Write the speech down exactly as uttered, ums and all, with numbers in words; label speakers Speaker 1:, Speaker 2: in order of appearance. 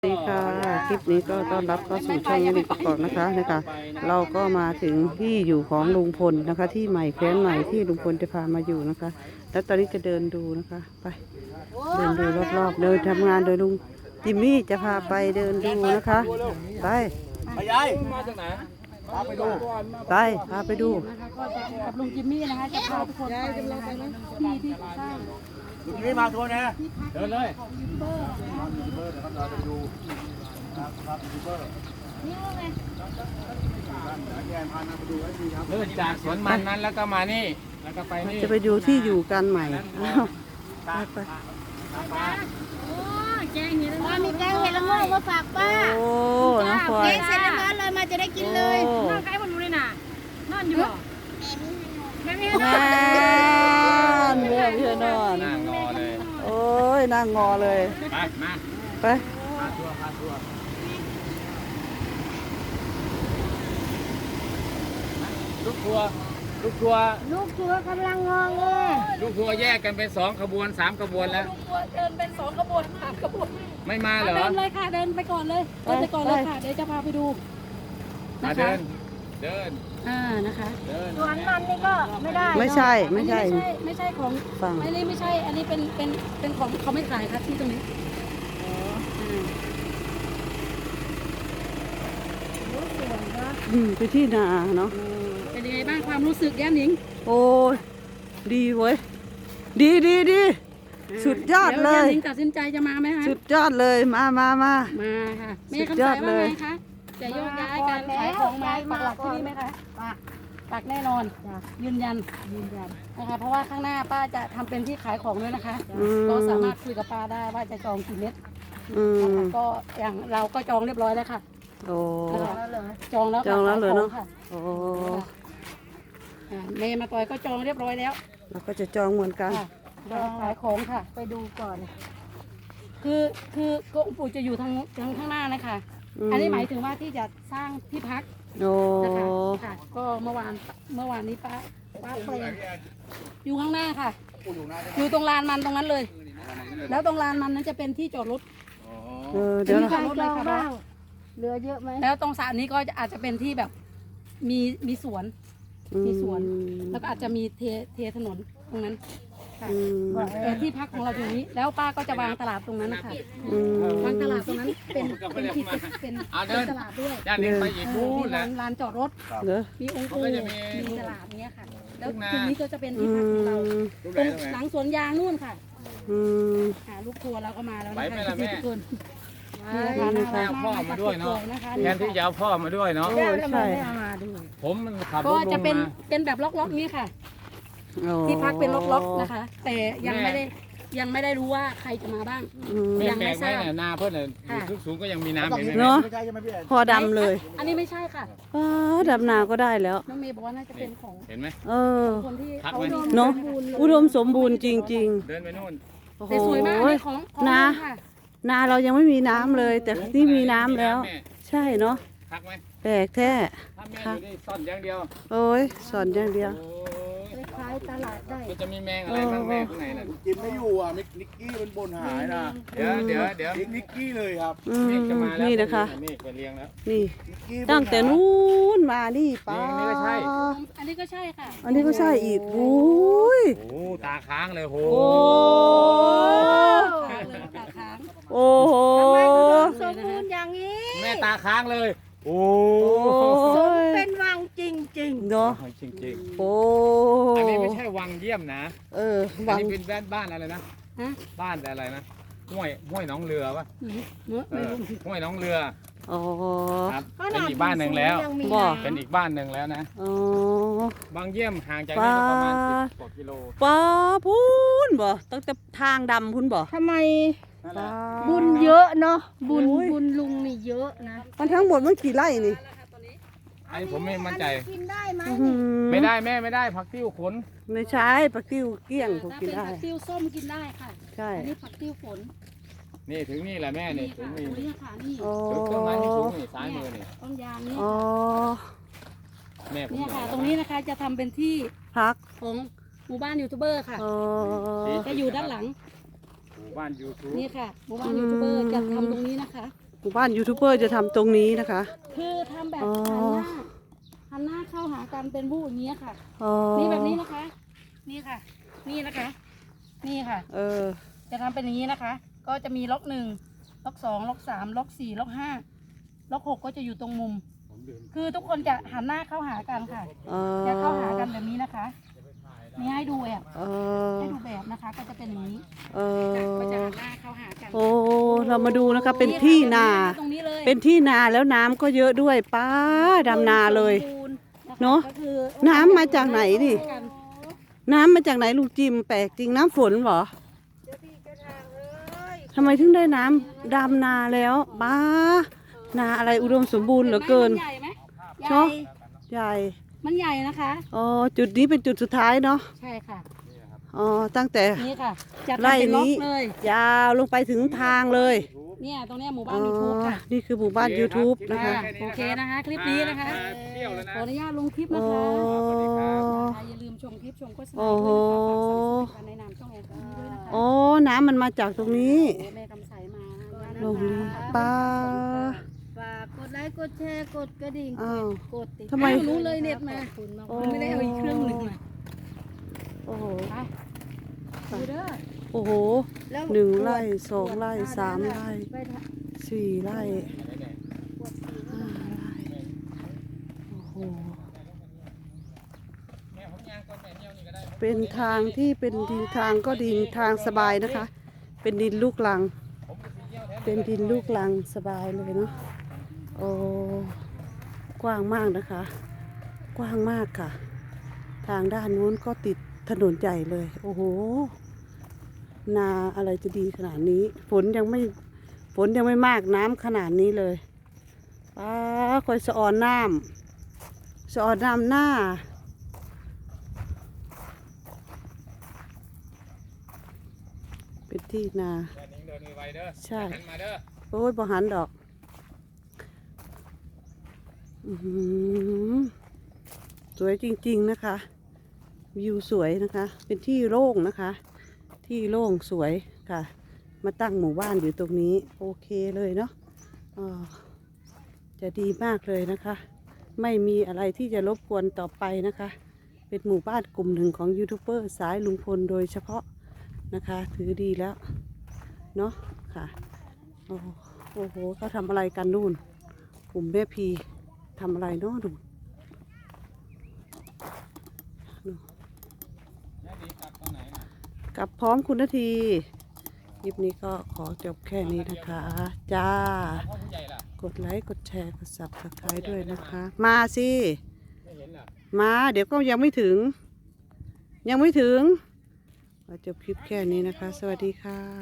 Speaker 1: สวัสดีค่ะคลิปนี้ก็ต้อนรับเข้าสู่ช่องลิกกอกนะคะนะคะเราก็มาถึงที่อยู่ของลุงพลนะคะ ที่ใหม่แคว้นใหม่ที่ลุงพลจะพามาอยู่นะคะ แล้วตอนนี้จะเดินดูนะคะไปเดินดูรอบๆเดินทำงานโดยลุงจิมมี่จะพาไปเดินดูนะคะไป
Speaker 2: ไปยายมาจากไหนพาไปดู
Speaker 1: ไปพาไปดู
Speaker 3: นะคะก็จะกับลุงจิมมี่นะคะจะพาทุกคนไปนะคะที่ที่สร้าง
Speaker 2: ลุงนี่มาทัวร์นะเดินเลย
Speaker 3: ของยูทูบเบอร์นะคะ
Speaker 2: ยูทูบเบอร์นะครับเราไปดูครับยูทูบเบอร์
Speaker 3: นี่ว่าไง
Speaker 2: แกนพานาไปดูให้ดีครับ
Speaker 4: เลื่อนจากสวนมันนั้นแล้วก็มานี่แล้วก็ไปนี่
Speaker 1: จะไปดูที่อยู่กันใหม่อ้าวไปไป
Speaker 3: โอ้แกงเห็ดละมีแกงเห็ดละโงกมาฝากป้า
Speaker 1: โอ้น้องพลอ
Speaker 3: แก
Speaker 1: ย
Speaker 3: งเสร็จแล้วมาเลยมาจะได้กินเลย
Speaker 1: โอ้
Speaker 3: นั่งใกล้บนรู้เลยน่ะนั่นอยู่บ่แม่ไม่ให้
Speaker 1: น
Speaker 3: นอน
Speaker 1: านเมื่อเพื่อนนอน
Speaker 4: นั่งงอเลย
Speaker 1: โอ้ยนั่งงอเลย
Speaker 4: ไปมา
Speaker 1: ไป
Speaker 4: พาทัวร์พาทัวร์ลูกทัวร์ลูกทัวร์
Speaker 3: ลูกชัวกำลังงองเลย
Speaker 4: ลูกทัวร์แยกกันเป็นสองขบวนสามขบวนแล้ว
Speaker 3: ลูกชัวเดินเป็นสองขบวนสามขบวน
Speaker 4: ไม่มาเหรอ
Speaker 3: เดินเลยค่ะเดินไปก่อนเลยเดินไปก่อนเลยค่ะเดี๋ยวจะพาไปดู
Speaker 4: มา
Speaker 3: นะคะ
Speaker 4: เดินเดิน
Speaker 3: อ่านะคะ
Speaker 4: เดิน
Speaker 3: ส่วนมันนี่ก็ไม่ได้
Speaker 1: ไม่ใช่ไม่ใช่
Speaker 3: ไม่ใช่ไม่ใช่ของ
Speaker 1: ฟัง
Speaker 3: อันนี้ไม่ใช่ อันนี้เป็นเป็นเป็นของเขาไม่ขายครับที่ตรงนี้รู้ส่วนนะ
Speaker 1: อืมไปที่นาเนาะ
Speaker 3: เป็นยังไงบ้างความรู้สึกแย้มหนิง
Speaker 1: โอ้ยดีเว้ยดีดีดีสุดยอดเล
Speaker 3: แย้ม
Speaker 1: ย
Speaker 3: หนิงตัดสินใจจะมาไหมคะ
Speaker 1: สุดยอดเลยมามามา
Speaker 3: มาค่ะแม่
Speaker 1: สุด
Speaker 3: คำ
Speaker 1: ยอ
Speaker 3: สา
Speaker 1: ด
Speaker 3: ยว่า
Speaker 1: เล
Speaker 3: ไง
Speaker 1: ย
Speaker 3: คะจะโยกย้ายการขายของมาปักหลักที่นี่ไหมคะปักปักแน่นอนยืนยันยืนยันนะคะเพราะว่าข้างหน้าป้าจะทำเป็นที่ขายของด้วยนะคะ
Speaker 1: อืม
Speaker 3: ก็สามารถคุยกับป้าได้ว่าจะจองกี่เม็ด
Speaker 1: อืม
Speaker 3: นะคะก็อย่างเราก็จองเรียบร้อยแล้วค่ะ
Speaker 1: โอ้
Speaker 3: นะคะจองแล้ว
Speaker 1: จองแล้วเหรอเนอะ
Speaker 3: ค่ะ
Speaker 1: โอ้
Speaker 3: อ่าเมย์มาต่อยก็จองเรียบร้อยแล้ว
Speaker 1: เราก็จะจองเหมือนกัน
Speaker 3: ค่ะจองขายของค่ะ ไปดูก่อน คือคือกองค์ปู่จะอยู่ทางทางข้างหน้านะคะ อันนี้หมายถึงว่าที่จะสร้างที่พัก
Speaker 1: โอ้
Speaker 3: นะคะค่ะ ก็เมื่อวานเมื่อวานนี้ป้าป้าไปอยู่ข้างหน้าค่ะ อยู่ตรงลานมันตรงนั้นเลย แล้วตรงลานมันนั้นจะเป็นที่จอดรถ
Speaker 4: อ๋อ
Speaker 1: เออเดี๋ยว
Speaker 3: มี
Speaker 1: นะ
Speaker 3: จอดรถเลยค่ะ
Speaker 5: เหลือเยอะไหม
Speaker 3: แล้วตรงสระนี้ก็จะอาจจะเป็นที่แบบมีมีสวน มีสวน แล้วก็อาจจะมีเทเทถนนตรงนั้นค่ะ
Speaker 1: อืม
Speaker 3: แต่ที่พักของเราอยู่นี้ แล้วป้าก็จะวางตลาดตรงนั้นนะคะ
Speaker 1: อืม
Speaker 3: วางตลาดตรงนั้นเป็นเป็นที่เป็นเป็น
Speaker 4: เอา
Speaker 3: เป็
Speaker 4: เดิ
Speaker 3: น
Speaker 4: น
Speaker 3: ตลาดด้วย
Speaker 4: ย่านนี้ไปอีก
Speaker 3: เอ
Speaker 4: นู่
Speaker 3: อน มี
Speaker 4: แห
Speaker 3: ลา
Speaker 4: ละ
Speaker 3: นลานจอดรถ
Speaker 1: เด้อ
Speaker 3: มีองค์
Speaker 4: เขา
Speaker 3: ปู่
Speaker 4: ก็จะมี
Speaker 3: มีตลาดเนี้ยค่ะ แล้ว
Speaker 4: ทุ่งนา
Speaker 3: ตรงนี้ก็จะเป็น
Speaker 1: อื
Speaker 3: ที่พักของเรา
Speaker 1: ม
Speaker 4: ลูก
Speaker 3: ต
Speaker 4: ไหน
Speaker 3: รง
Speaker 4: ลูกไหน
Speaker 3: หลังสวนยางนู่นค่ะ
Speaker 1: อืม
Speaker 3: ค่ะลูกทัวร์เราก็มาแล้ว
Speaker 4: ไหว
Speaker 3: นะ
Speaker 4: ไหม
Speaker 3: คะ
Speaker 4: ล่ะแม่
Speaker 3: ทุกคน
Speaker 1: นี่นะคะ
Speaker 4: เอาพ่อมาด้วยเนาะ
Speaker 3: นะคะ
Speaker 4: แทนที่จะเอาพ่อมาด้วยเนาะ
Speaker 1: โอ้ยใช่
Speaker 4: ผมมันขับร
Speaker 3: ก็
Speaker 4: ถล
Speaker 3: จะ
Speaker 4: ง
Speaker 3: เป็น
Speaker 4: มา
Speaker 3: เป็นแบบล็อกๆนี้ค่ะ
Speaker 1: โอ้
Speaker 3: ที่พักเป็นล็อกๆนะคะ แต่ยังไม่ได้ยังไม่ได้รู้ว่าใครจะมาบ้าง
Speaker 1: อืม
Speaker 4: ไม่
Speaker 3: ยัง
Speaker 4: แปล
Speaker 3: ไม่
Speaker 4: กไหม
Speaker 3: ทราบ
Speaker 4: เนี่ยนาเพื่อนเนี่ย
Speaker 3: ค่ะ
Speaker 4: ทุกสูงก็ยังมีน้ำอยู่
Speaker 1: เนาะ
Speaker 2: ไม่ใช่ใช่ไหมพี่แอน
Speaker 1: พอดำเลย
Speaker 3: อันนี้ไม่ใช่ค่ะ
Speaker 1: อ้าดำนาก็ได้แล้ว
Speaker 3: น้องเมย์บอกว่าน่าจะเป็นของ
Speaker 4: เห็นไหม
Speaker 1: เออ
Speaker 3: คนที่
Speaker 4: พัก
Speaker 3: เขา
Speaker 4: ไว้
Speaker 1: เนาะอุดมสมบูรณ์จริง
Speaker 4: เดินไปนู่น
Speaker 1: ๆ โอ้โห
Speaker 3: แต่สวยมากอันนี้ของของ
Speaker 1: นา
Speaker 3: ค่ะ
Speaker 1: นาเรายังไม่มีน้ำเลย แต่นี่มีน้ำแล้ว ใช่เนาะ
Speaker 4: พักไหม
Speaker 1: แปลกแท้
Speaker 4: ถ้าแม่อยู่นี่ซ่อนอย่างเดียว
Speaker 1: โอ้ยสอนอย่างเดียว
Speaker 4: โอ้ย
Speaker 5: ขายตลาดได้
Speaker 4: ก็จะมีแมงอะไรบ้างแม่ข้างในน่ะ
Speaker 2: จิมไม่อยู่อ่ะมิกนิกกี้มันบนหายนะ
Speaker 4: เดี๋ยวเดี๋ยวเดี๋ยว
Speaker 2: นิกนิกกี้เลยครับ
Speaker 1: อืม
Speaker 4: เมฆจะมาแล้ว
Speaker 1: นี่นะคะ
Speaker 4: เมฆไปเลี้ยงแล้ว
Speaker 1: นี่
Speaker 2: นิกกี้บนหาย
Speaker 1: ตั้งแต่นู้นมานี่ป้า
Speaker 4: นี่ก็ใช่
Speaker 3: อันนี้ก็ใช่ค่ะ
Speaker 1: อันนี้ก็ใช่อีกโอ้ย
Speaker 4: โอ้ตาค้างเลยโห
Speaker 1: โอ้
Speaker 3: ค้างเลยตาค้าง
Speaker 1: โอ้โห
Speaker 5: สมบูรณ์อย่างนี้
Speaker 4: แม่ตาค้างเลย โอ้
Speaker 5: สมเป็นวังจริง
Speaker 1: เนาะ
Speaker 4: จริงจริง
Speaker 1: โอ้
Speaker 4: ๆอันนี้ไม่ใช่วังเยี่ยมนะ
Speaker 1: เออ
Speaker 4: อัน
Speaker 1: วัง
Speaker 4: นี้เป็นบ้านบ้านอะไรนะ
Speaker 3: ฮะ
Speaker 4: บ้านอะไรนะห้วยห้วยหน้องเรือปะ
Speaker 3: เมื่อ
Speaker 4: เอ
Speaker 3: ไม่
Speaker 4: อ
Speaker 3: รู้
Speaker 4: ห้วยหน้องเรือ
Speaker 1: อ๋อ
Speaker 4: ครับ
Speaker 5: ๆ
Speaker 4: เป็นอีกบ้านหนึ่งแล้ว
Speaker 5: ยังมี
Speaker 1: บ่
Speaker 5: น้ำ
Speaker 4: เป็นอีกบ้านหนึ่งแล้วนะ
Speaker 1: อ๋อ
Speaker 4: บางเยี่ยมห่างจากนี่ก็ประมาณสิบกว่ากิโล
Speaker 1: ป้าพูนบ่ตั้งแต่ทางดำพุ่นบ่
Speaker 5: ทำไม
Speaker 4: นั่นแหละ
Speaker 5: บุญเยอะเนาะบุญ
Speaker 1: โอ้ย
Speaker 5: บุญลุงนี่เยอะนะ
Speaker 1: มันทั้งหมดมันกี่ไร่นี่
Speaker 4: อันนี้ผมไม่มั่นใจ
Speaker 5: กินได้ไหม
Speaker 1: อื้อหือ
Speaker 4: ไม่ได้แม่ไม่ได้ผักติ้วขน
Speaker 1: ไม่ใช่ปลากิ้วเกลี้ยงผม
Speaker 3: ถ้า
Speaker 1: กิน
Speaker 3: เป็น
Speaker 1: ได้
Speaker 3: ผักติ้วส้มกินได้ค่ะ
Speaker 1: ใช่
Speaker 3: อันนี้ผักติ้วฝน
Speaker 4: นี่ถึงนี่แหละแม่นี่
Speaker 3: นี่
Speaker 4: ถึ
Speaker 3: ค่ะ
Speaker 4: ง
Speaker 3: ต
Speaker 4: นี่
Speaker 3: รงนี้ค่ะนี่
Speaker 1: โอ้
Speaker 4: ถึงต้นไม้ที่สูงนี่ซ้ายมือนี่
Speaker 3: ต้นยางนี่
Speaker 1: อ๋อ
Speaker 4: แม่ผม
Speaker 3: เนี่ย
Speaker 4: บอ
Speaker 3: ค่ะ
Speaker 4: ก
Speaker 3: ตรงนี้นะคะจะทำเป็นที่
Speaker 1: พัก
Speaker 3: ของหมู่บ้านยูทูบเบอร์ค่ะ
Speaker 1: อ๋อ
Speaker 3: จะอยู่ด้านหลัง
Speaker 4: หมู่บ้านยูทูบ
Speaker 3: นี่ค่ะหมู่บ้านยูทูบเบอร์จะทำตรงนี้นะคะ
Speaker 1: หมู่บ้านยูทูบเบอร์จะทำตรงนี้นะคะ
Speaker 3: คือทำแบบ
Speaker 1: อ๋อ
Speaker 3: หันหน้าหันหน้าเข้าหากันเป็นบู้อย่างเงี้ยค่ะ
Speaker 1: อ๋อ
Speaker 3: นี่แบบนี้นะคะ นี่ค่ะ นี่นะคะ นี่ค่ะ
Speaker 1: เออ
Speaker 3: จะทำเป็นอย่างนี้นะคะ ก็จะมีล็อกหนึ่งล็อกสองล็อกสามล็อกสี่ล็อกห้าล็อกหกก็จะอยู่ตรงมุม คือทุกคนจะหันหน้าเข้าหากันค่ะ
Speaker 1: เออ
Speaker 3: จะเข้าหากันแบบนี้นะคะ นี่ให้ดูแบบ
Speaker 1: เออ
Speaker 3: ให้ดูแบบนะคะ ก็จะเป็นอย่างนี้
Speaker 1: เอ
Speaker 3: ก็จะ
Speaker 1: อ
Speaker 3: หันหน้าเข้าหากัน
Speaker 1: โอ้เรามาดูนะคะเป็นที่นา
Speaker 3: ตรงนี้เลย
Speaker 1: เป็นที่นาแล้วน้ำก็เยอะด้วยป้าดำนาเลย
Speaker 3: สมบูรณ์ค
Speaker 1: เนอะ
Speaker 3: ก็คือ
Speaker 1: น้ำมาจากไหนดิ น้ำมาจากไหนลุงจิมแปลกจริงน้ำฝนเหรอทำไมถึงได้น้ำดำนาแล้วป้านาอะไรอุดมสมบูรณ์เหลือเกิน
Speaker 3: มันใหญ่ไหมให
Speaker 1: เน
Speaker 3: ญ่
Speaker 1: อะ ใหญ่
Speaker 3: มันใหญ่นะคะ
Speaker 1: อ๋อจุดนี้เป็นจุดสุดท้ายเนาะ
Speaker 3: ใช่ค่ะ
Speaker 1: อ๋อตั้งแต่
Speaker 3: นี่ค่ะจะทำ
Speaker 1: ไร่
Speaker 3: เป็นล็อ
Speaker 1: นี้
Speaker 3: กเลย
Speaker 1: ยาวลงไปถึงทางเลย
Speaker 3: เนี่ยตรงเนี้ยหมู่
Speaker 1: อ๋
Speaker 3: บ้า
Speaker 1: อน
Speaker 3: ยูทูบค่ะ
Speaker 1: นี่คือหมู่บ้าน YouTube นะคะ
Speaker 3: โอเคนะคะ คลิปนี้นะคะ
Speaker 4: มาเที่ยวแล้วนะ
Speaker 3: ขออนุญาตลงคลิป
Speaker 1: โอ้
Speaker 3: นะคะอย่าลืมชมคลิปชมโฆษณา
Speaker 1: โอ้โห
Speaker 3: ด้วยนะคะฝากสั่งสินค้าในนามช่องแอนนี้ด้วยนะคะ
Speaker 1: โอ้น้ำมันมาจากตรงนี้
Speaker 3: โอ้แม่กำไสมานะ
Speaker 1: ลง
Speaker 3: คะ
Speaker 1: นี้ป้า
Speaker 5: ฝากกดไลค์กดแชร์กดกระดิ่ง
Speaker 1: อ้าว
Speaker 5: กดติด
Speaker 1: ทำไม
Speaker 5: ตา
Speaker 3: รู้เลยเน็ตมา
Speaker 5: ขอบคุณมาก
Speaker 1: โอ้
Speaker 3: ไม่ได้เอาอีกเครื่องหนึ่งมา
Speaker 1: โอ้โห
Speaker 3: ไปดูเด้อ
Speaker 1: โอ้โห
Speaker 5: แล้ว
Speaker 1: หนึ่งไร่สองไร่สามไร่
Speaker 5: ไปทะ
Speaker 1: สี่ไร่ห้าไร่โอ้โหเป็นทางที่เป็นดินทางก็ดินทางสบายนะคะ เป็นดินลูกลัง เป็นดินลูกลังสบายเลยเนาะโอ้กว้างมากนะคะ กว้างมากค่ะ ทางด้านนู้นก็ติดถนนใหญ่เลย โอ้โห นาอะไรจะดีขนาดนี้ ฝนยังไม่ ฝนยังไม่มากน้ำขนาดนี้เลยป้าคอยสะออนน้ำสะออนน้ำหน้า เป็นที่นา
Speaker 4: แค่นี้เดินไวๆเด้อ
Speaker 1: ใช่
Speaker 4: หันมาเด้อ
Speaker 1: โอ้ยบ่หันดอก อือหือสวยจริงๆนะคะ วิวสวยนะคะ เป็นที่โล่งนะคะ ที่โล่งสวยค่ะ มาตั้งหมู่บ้านอยู่ตรงนี้ โอเคเลยเนาะอ่าจะดีมากเลยนะคะ ไม่มีอะไรที่จะรบกวนต่อไปนะคะ เป็นหมู่บ้านกลุ่มหนึ่งของยูทูบเบอร์สายลุงพลโดยเฉพาะนะคะ ถือดีแล้วเนาะค่ะ โอ้โอ้โหเขาทำอะไรกันนู่น กลุ่มแม่พีทำอะไรเนาะดูนู่น
Speaker 4: แม่ดีกลับตอนไหนน่ะ
Speaker 1: กลับพร้อมคุณนาทีคลิปนี้ก็ขอจบแค่นี้นะคะ จ้า
Speaker 4: พ่อผู้ใหญ่ล่ะ
Speaker 1: กดไลค์ กดแชร์ กดซับสไครต์ด้วยนะคะ มาสิ
Speaker 4: ไม่เห็นล่ะ
Speaker 1: มา เดี๋ยวก็ยังไม่ถึง ยังไม่ถึงขอจบคลิปแค่นี้นะคะ สวัสดีค่ะ